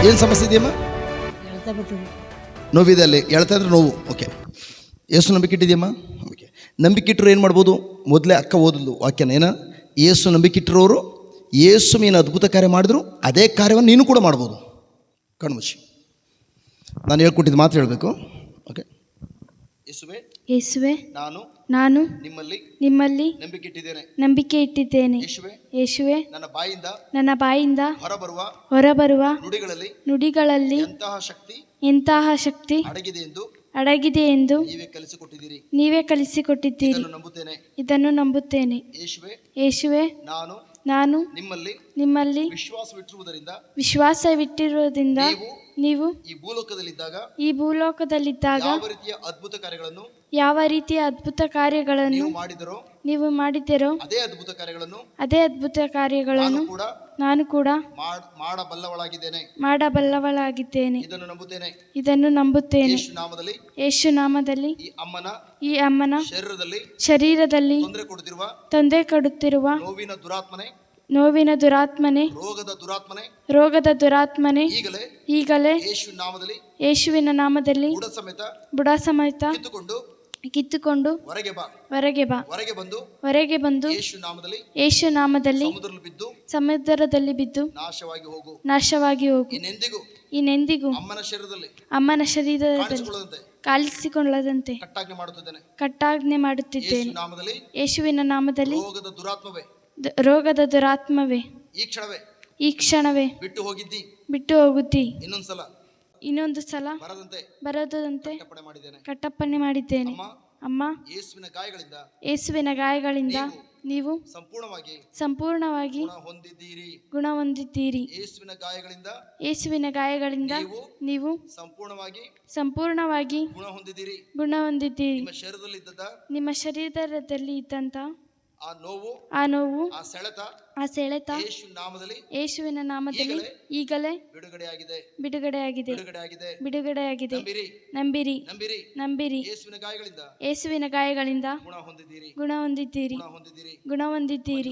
ಏನು ಸಮಸ್ಯೆ ಇದೆಯಮ್ಮ? ಹೇಳ್ತಾ ಬರ್ತದೆ. ನೋವಿದೆ ಅಲ್ಲಿ, ಹೇಳ್ತಾ ಇದ್ರೆ ನೋವು. ಓಕೆ, ಏಸು ನಂಬಿಕೆ ಇಟ್ಟಿದೆಯಮ್ಮ? ಓಕೆ, ನಂಬಿಕೆ ಇಟ್ಟರು ಏನು ಮಾಡ್ಬೋದು? ಮೊದಲೇ ಅಕ್ಕ ಓದಲು ವಾಕ್ಯನ ಏನ, ಏಸು ನಂಬಿಕೆ ಇಟ್ಟಿರೋರು ಏಸು ಏನು ಅದ್ಭುತ ಕಾರ್ಯ ಮಾಡಿದ್ರು ಅದೇ ಕಾರ್ಯವನ್ನು ನೀನು ಕೂಡ ಮಾಡ್ಬೋದು. ಕಣ್ಮುಚ್ಚಿ ನಾನು ಹೇಳ್ಕೊಟ್ಟಿದ್ದು ಮಾತ್ರ ಹೇಳಬೇಕು. ಓಕೆ, ಯೇಸುವೆ ನಾನು ನಾನು ನಿಮ್ಮಲ್ಲಿ ನಂಬಿಕೆ ಇಟ್ಟಿದ್ದೇನೆ. ಯೇಸುವೆ ನನ್ನ ಬಾಯಿಂದ ಹೊರಬರುವ ನುಡಿಗಳಲ್ಲಿ ಎಂತಹ ಶಕ್ತಿ ಅಡಗಿದೆ ಎಂದು ನೀವೇ ಕಲಿಸಿಕೊಟ್ಟಿದ್ದೀರಿ. ಇದನ್ನು ನಂಬುತ್ತೇನೆ. ಯೇಸುವೆ ನಾನು ನಿಮ್ಮಲ್ಲಿ ವಿಶ್ವಾಸವಿಟ್ಟಿರುವುದರಿಂದ ನೀವು ಈ ಭೂಲೋಕದಲ್ಲಿದ್ದಾಗ ಯಾವ ರೀತಿಯ ಅದ್ಭುತ ಕಾರ್ಯಗಳನ್ನು ನೀವು ಮಾಡಿದ್ದೀರೋ ಅದೇ ಅದ್ಭುತ ಕಾರ್ಯಗಳನ್ನು ನಾನು ಕೂಡ ಮಾಡಬಲ್ಲವಳಾಗಿದ್ದೇನೆ. ಇದನ್ನು ನಂಬುತ್ತೇನೆ. ಯೇಸು ನಾಮದಲ್ಲಿ ಈ ಅಮ್ಮನ ಶರೀರದಲ್ಲಿ ತೊಂದರೆ ಕೊಡುತ್ತಿರುವ ನೋವಿನ ದುರಾತ್ಮನೆ, ರೋಗದ ದುರಾತ್ಮನೆ ಈಗಲೇ ಯೇಸುವಿನ ನಾಮದಲ್ಲಿ ಬುಡ ಸಮೇತ ಕಿತ್ತುಕೊಂಡು ಹೊರಗೆ ಬಂದು ಯೇಸು ನಾಮದಲ್ಲಿ ಸಮುದ್ರದಲ್ಲಿ ಬಿದ್ದು ನಾಶವಾಗಿ ಹೋಗು. ಇನ್ನೆಂದಿಗೂ ಅಮ್ಮನ ಶರೀರದಲ್ಲಿ ಕಾಲಿಸಿಕೊಳ್ಳದಂತೆ ಕಟ್ಟಾಜ್ಞೆ ಮಾಡುತ್ತಿದ್ದೇನೆ. ಯೇಸುವಿನ ನಾಮದಲ್ಲಿ ರೋಗದ ದುರಾತ್ಮವೇ ಈ ಕ್ಷಣವೇ ಬಿಟ್ಟು ಹೋಗುತ್ತಿ. ಇನ್ನೊಂದು ಸಲ ಬರದಂತೆ ಕಟ್ಟಪ್ಪಣೆ ಮಾಡಿದ್ದೇನೆ. ಅಮ್ಮ, ಯೇಸುವಿನ ಗಾಯಗಳಿಂದ ನೀವು ಸಂಪೂರ್ಣವಾಗಿ ಗುಣ ಹೊಂದಿದ್ದೀರಿ. ಯೇಸುವಿನ ಗಾಯಗಳಿಂದ ನೀವು ಸಂಪೂರ್ಣವಾಗಿ ಗುಣ ಹೊಂದಿದ್ದೀರಿ. ನಿಮ್ಮ ಶರೀರದಲ್ಲಿ ಇದ್ದಂತ ಆ ನೋವು ಆ ಸೆಳೆತ ಯೇಸುವಿನ ನಾಮದಲ್ಲಿ ಈಗಲೇ ಬಿಡುಗಡೆಯಾಗಿದೆ. ನಂಬಿರಿ. ಯೇಸುವಿನ ಗಾಯಗಳಿಂದ ಗುಣ ಹೊಂದಿದ್ದೀರಿ.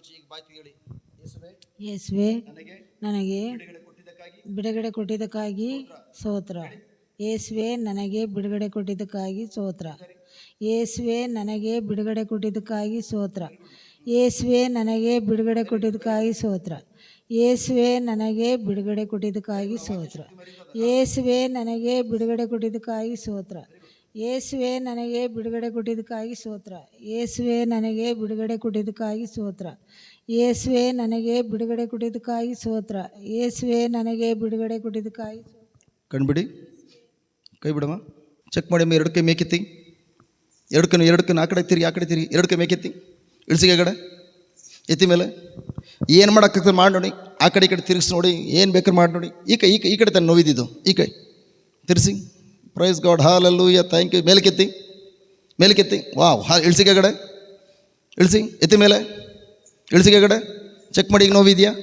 ಯೇಸುವೆ ನನಗೆ ಬಿಡುಗಡೆ ಕೊಟ್ಟಿದ್ದಕ್ಕಾಗಿ ಸ್ತೋತ್ರ. ಯೇಸುವೆ ನನಗೆ ಬಿಡುಗಡೆ ಕೊಟ್ಟಿದ್ದಕ್ಕಾಗಿ ಸ್ತೋತ್ರ. ಯೇಸುವೆ ನನಗೆ ಬಿಡುಗಡೆ ಕೊಟ್ಟಿದ್ದಕ್ಕಾಗಿ ಸ್ತೋತ್ರ. ಯೇಸುವೆ ನನಗೆ ಬಿಡುಗಡೆ ಕೊಟ್ಟಿದ್ದಕ್ಕಾಗಿ ಸ್ತೋತ್ರ. ಯೇಸುವೆ ನನಗೆ ಬಿಡುಗಡೆ ಕೊಟ್ಟಿದ್ದಕ್ಕಾಗಿ ಸ್ತೋತ್ರ. ಯೇಸುವೆ ನನಗೆ ಬಿಡುಗಡೆ ಕೊಟ್ಟಿದ್ದಕ್ಕಾಗಿ ಸ್ತೋತ್ರ. ಯೇಸುವೆ ನನಗೆ ಬಿಡುಗಡೆ ಕೊಟ್ಟಿದ್ದಕ್ಕಾಗಿ ಸ್ತೋತ್ರ. ಯೇಸುವೆ ನನಗೆ ಬಿಡುಗಡೆ ಕೊಟ್ಟಿದ್ದಕ್ಕಾಗಿ ಸ್ತೋತ್ರ. ಯೇಸುವೆ ನನಗೆ ಬಿಡುಗಡೆ ಕೊಟ್ಟಿದ್ದಕ್ಕಾಗಿ ಸ್ತೋತ್ರ. ಯೇಸುವೆ ನನಗೆ ಬಿಡುಗಡೆ ಕೊಟ್ಟಿದ್ದಕ್ಕಾಗಿ. ಕಣ್ಬಿಡಿ, ಕೈ ಬಿಡಮ್ಮ. ಚೆಕ್ ಮಾಡಿ. ಎರಡು ಕೈ ಮೇಕೆತ್ತಿ. ಎರಡು ಕಣ್ಣು ಆ ಕಡೆ ತಿರುಗಿ ಎರಡು ಕೈ ಮೇಕೆತ್ತಿ. ಇಳಿಸಿಗೆ ಕಡೆ ಎತ್ತಿ ಮೇಲೆ ಏನು ಮಾಡೋಕ್ಕಾಗ್ತದೆ ಮಾಡಿ ನೋಡಿ. ಆ ಕಡೆ ಈ ಕಡೆ ತಿರುಗಿಸಿ ನೋಡಿ, ಏನು ಬೇಕಾದ್ರೆ ಮಾಡಿ ನೋಡಿ. ಈ ಕಡೆ ತಾನು ನೋವಿದ್ದು. ಈ ಕೈ ತಿರ್ಸಿ. Praise God, hallelujah, thank you. ಮೇಲಕ್ಕೆತ್ತಿ. ವಾವ್. ಇಳಿಸಿಗೆ ಕಡೆ ಇಳಿಸಿ. ಎತ್ತಿ ಮೇಲೆ ಇಳಿಸಿಗೆ ಕಡೆ ಚೆಕ್ ಮಾಡಿ. ಈಗ ನೋವಿದೆಯಾ?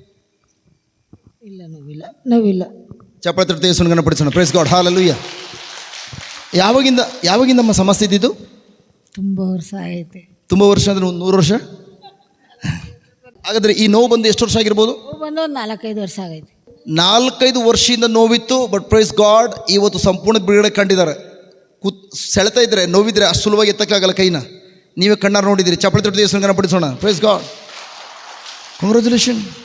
ನೋವಿಲ್ಲ. ಚಪ್ಪಾಳೆ ತಟ್ಟೆ ಯೇಸುವಿನ ಗಣಪಡಿಸೋಣ. Praise God, hallelujah. ಯಾವಾಗಿಂದಮ್ಮ ಸಮಸ್ಯೆ ಇದ್ದಿದ್ದು? ತುಂಬ ವರ್ಷ ಆಗೈತೆ. ತುಂಬ ವರ್ಷ ಅಂದರೆ 100 ವರ್ಷ. ಹಾಗಾದರೆ ಈ ನೋವು ಬಂದು ಎಷ್ಟು ವರ್ಷ ಆಗಿರ್ಬೋದು? ಬಂದು 4-5 ವರ್ಷ ಆಗೈತೆ. 4-5 ವರ್ಷದಿಂದ ನೋವಿತ್ತು. ಬಟ್ ಪ್ರೈಸ್ ಗಾಡ್, ಇವತ್ತು ಸಂಪೂರ್ಣ ಬಿಡುಗಡೆ ಕಂಡಿದ್ದಾರೆ. ಸೆಳೆತಾ ಇದ್ರೆ, ನೋವಿದ್ರೆ ಅಷ್ಟು ಸುಲಭವಾಗಿ ಎತ್ತಕ್ಕಾಗಲ್ಲ ಕೈನ. ನೀವೇ ಕಣ್ಣಾರು ನೋಡಿದ್ದೀರಿ. ಚಪ್ಪಳೆ ತಟ್ಟೆ ಯೇಸುವಿನ ಗಣಪಡಿಸೋಣ. Praise god, congratulation.